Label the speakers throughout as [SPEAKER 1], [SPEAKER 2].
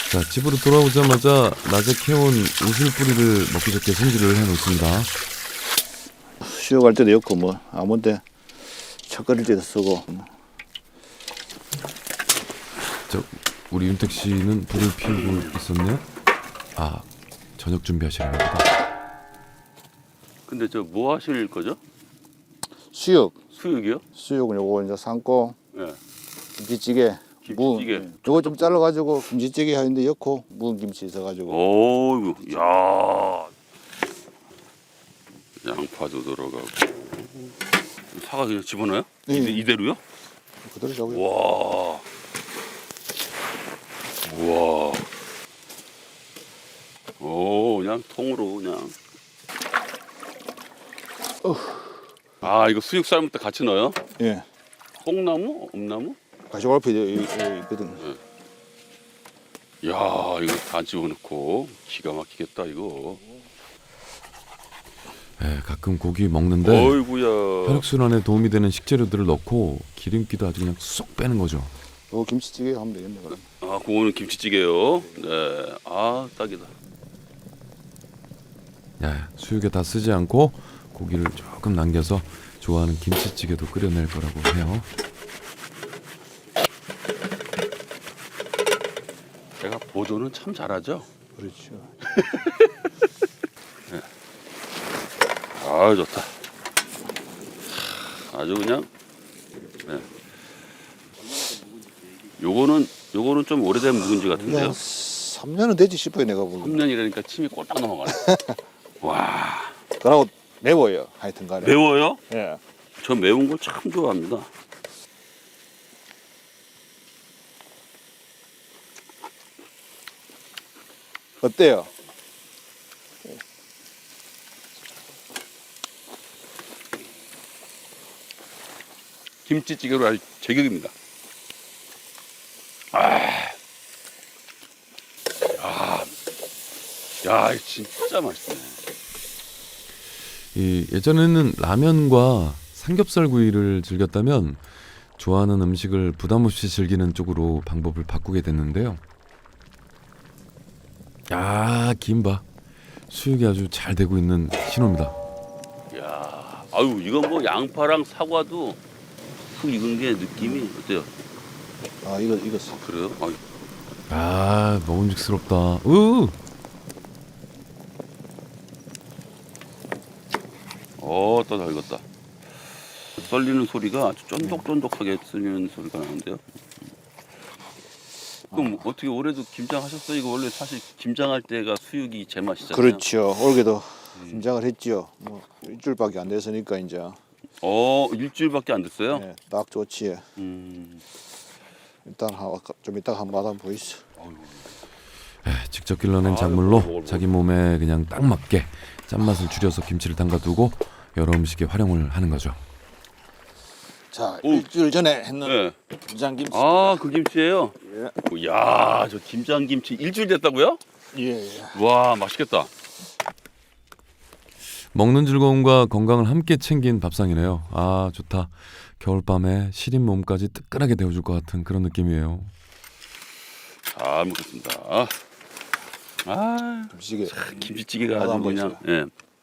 [SPEAKER 1] 자, 집으로 돌아오자마자 낮에 캐온 우슬뿌리를 먹기 좋게 손질을 해놓습니다.
[SPEAKER 2] 수육할 때도 넣고 뭐 아무 때 차 끓일 때도 쓰고.
[SPEAKER 1] 저 우리 윤택 씨는 불을 피우고 있었네요. 아, 저녁 준비하시려나 보다.
[SPEAKER 3] 근데 저 뭐 하실 거죠?
[SPEAKER 2] 수육.
[SPEAKER 3] 수육이요?
[SPEAKER 2] 수육은 요거 이제 삶고
[SPEAKER 3] 예.
[SPEAKER 2] 김치찌개.
[SPEAKER 3] 김치찌개.
[SPEAKER 2] 요거 좀 잘라가지고 김치찌개 하는데 넣고 묵은 김치 있어가지고.
[SPEAKER 3] 오이고, 야. 양파도 들어가고. 사과 그냥 집어넣어요?
[SPEAKER 2] 네.
[SPEAKER 3] 이대로요?
[SPEAKER 2] 그대로 잡아요.
[SPEAKER 3] 와. 우와. 오, 그냥 통으로 그냥. 아, 이거 수육 삶을 때 같이 넣어요?
[SPEAKER 2] 예.
[SPEAKER 3] 콩나무? 엄나무?
[SPEAKER 2] 가시골피 있거든.
[SPEAKER 3] 야, 이거 다 집어넣고 기가 막히겠다 이거.
[SPEAKER 1] 예, 가끔 고기 먹는데
[SPEAKER 3] 어이구야.
[SPEAKER 1] 혈액순환에 도움이 되는 식재료들을 넣고 기름기도 아주 그냥 쏙 빼는 거죠.
[SPEAKER 2] 요거 김치찌개 하면 되겠네. 그럼.
[SPEAKER 3] 아, 그거는 김치찌개요. 네, 아 딱이다.
[SPEAKER 1] 야, 수육에 다 쓰지 않고 고기를 조금 남겨서 좋아하는 김치찌개도 끓여낼 거라고 해요.
[SPEAKER 3] 제가 보조는 참 잘하죠.
[SPEAKER 2] 그렇죠.
[SPEAKER 3] 아, 좋다. 아주 그냥. 네. 요거는 좀 오래된 묵은지 같은데요.
[SPEAKER 2] 그냥 3년은 되지 싶어요 내가 보기엔.
[SPEAKER 3] 3년이라니까 침이 꼴딱 넘어가네. 와,
[SPEAKER 2] 그러고 매워요 하여튼간에.
[SPEAKER 3] 매워요?
[SPEAKER 2] 예.
[SPEAKER 3] 저 매운 걸 참 좋아합니다.
[SPEAKER 2] 어때요?
[SPEAKER 3] 김치찌개로 아주 제격입니다. 야, 진짜 맛있네.
[SPEAKER 1] 이 예전에는 라면과 삼겹살 구이를 즐겼다면 좋아하는 음식을 부담 없이 즐기는 쪽으로 방법을 바꾸게 됐는데요. 야, 김밥 수육이 아주 잘 되고 있는 신호입니다.
[SPEAKER 3] 야, 아유, 이건 뭐 양파랑 사과도 푹 익은 게 느낌이 어때요?
[SPEAKER 2] 아 이거
[SPEAKER 3] 그래요? 아유,
[SPEAKER 1] 아, 먹음직스럽다. 으,
[SPEAKER 3] 더 익었다. 썰리는 소리가 아주 쫀득쫀득하게 썰리는 소리가 나는데요. 그럼 어떻게 올해도 김장하셨어요? 이거 원래 사실 김장할 때가 수육이 제맛이잖아요.
[SPEAKER 2] 그렇죠. 올해도 김장을 했지요. 뭐 일주일밖에 안 됐으니까 이제.
[SPEAKER 3] 일주일밖에 안 됐어요?
[SPEAKER 2] 네, 딱 좋지. 일단 좀 이따가 한번 맛 보이시죠.
[SPEAKER 1] 직접 길러낸
[SPEAKER 3] 아,
[SPEAKER 1] 작물로
[SPEAKER 3] 먹어.
[SPEAKER 1] 자기 몸에 그냥 딱 맞게 짠맛을 줄여서 김치를 담가두고 여러 음식에 활용을 하는 거죠.
[SPEAKER 2] 자,
[SPEAKER 3] 오.
[SPEAKER 2] 일주일 전에 했는
[SPEAKER 3] 네.
[SPEAKER 2] 김장김치.
[SPEAKER 3] 아, 그 김치예요?
[SPEAKER 2] 예.
[SPEAKER 3] 야, 저 김장김치 일주일 됐다고요?
[SPEAKER 2] 예, 예.
[SPEAKER 3] 와, 맛있겠다.
[SPEAKER 1] 먹는 즐거움과 건강을 함께 챙긴 밥상이네요. 아, 좋다. 겨울밤에 시린 몸까지 뜨끈하게 데워줄 것 같은 그런 느낌이에요.
[SPEAKER 3] 잘 먹겠습니다. 아,
[SPEAKER 2] 김치찌개.
[SPEAKER 3] 김치찌개가
[SPEAKER 2] 나도
[SPEAKER 3] 아주
[SPEAKER 2] 한번
[SPEAKER 3] 그냥, 예.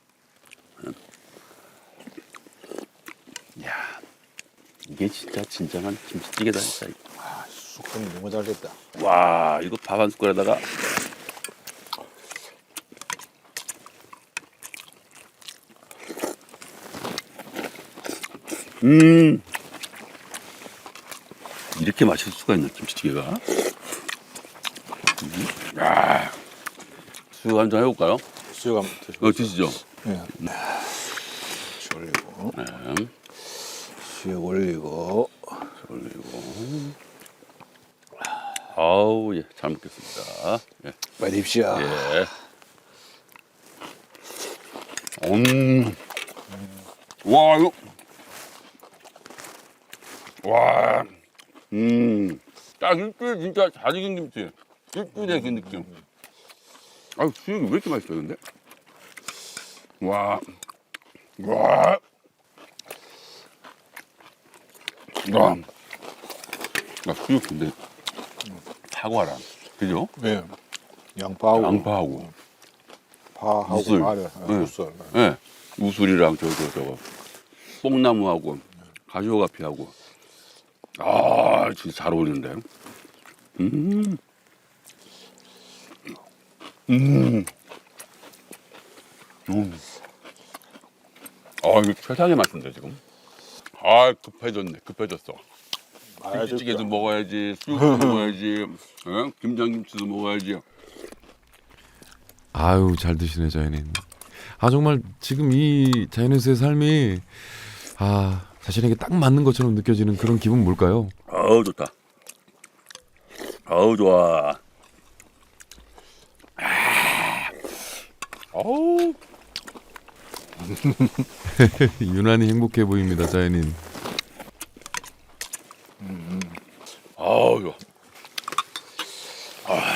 [SPEAKER 3] 야, 이게 진짜 진정한 김치찌개다, 진짜.
[SPEAKER 2] 아, 쑥하니 너무 잘 됐다.
[SPEAKER 3] 와, 이거 밥 한 숟갈에다가. 이렇게 맛있을 수가 있나, 김치찌개가? 야, 수육 한잔 해볼까요?
[SPEAKER 2] 수육 한번 드셔보세요.
[SPEAKER 3] 드시죠.
[SPEAKER 2] 예. 수육 올리고,
[SPEAKER 3] 네,
[SPEAKER 2] 수육 올리고.
[SPEAKER 3] 올리고. 아우, 예, 잘 먹겠습니다. 예.
[SPEAKER 2] 빨리 입시야.
[SPEAKER 3] 예. 와, 이거. 와. 딱 일주일 진짜 잘 익은 김치. 일주일의 그 느낌. 아유, 수육이 왜 이렇게 맛있어요, 근데? 와. 와. 와. 야, 수육 근데 사과랑 그죠?
[SPEAKER 2] 네. 양파하고
[SPEAKER 3] 양파하고
[SPEAKER 2] 파하고
[SPEAKER 3] 무술.
[SPEAKER 2] 마늘,
[SPEAKER 3] 네.
[SPEAKER 2] 무술.
[SPEAKER 3] 예. 우술이랑 저거 뽕나무하고 가시오가피하고 아 진짜 잘 어울리는데. 음. 음. 아 이거 최상의 맛인데 지금. 아 급해졌어. 김치찌개도 먹어야지, 수육도 먹어야지, 김장김치도 먹어야지.
[SPEAKER 1] 아유 잘 드시네 자연인. 아 정말 지금 이 자연인의 삶이 자신에게 딱 맞는 것처럼 느껴지는 그런 기분 뭘까요?
[SPEAKER 3] 아우 좋다. 아우 좋아. 아우
[SPEAKER 1] 유난히 행복해 보입니다 자연인.
[SPEAKER 3] 아우 좋아.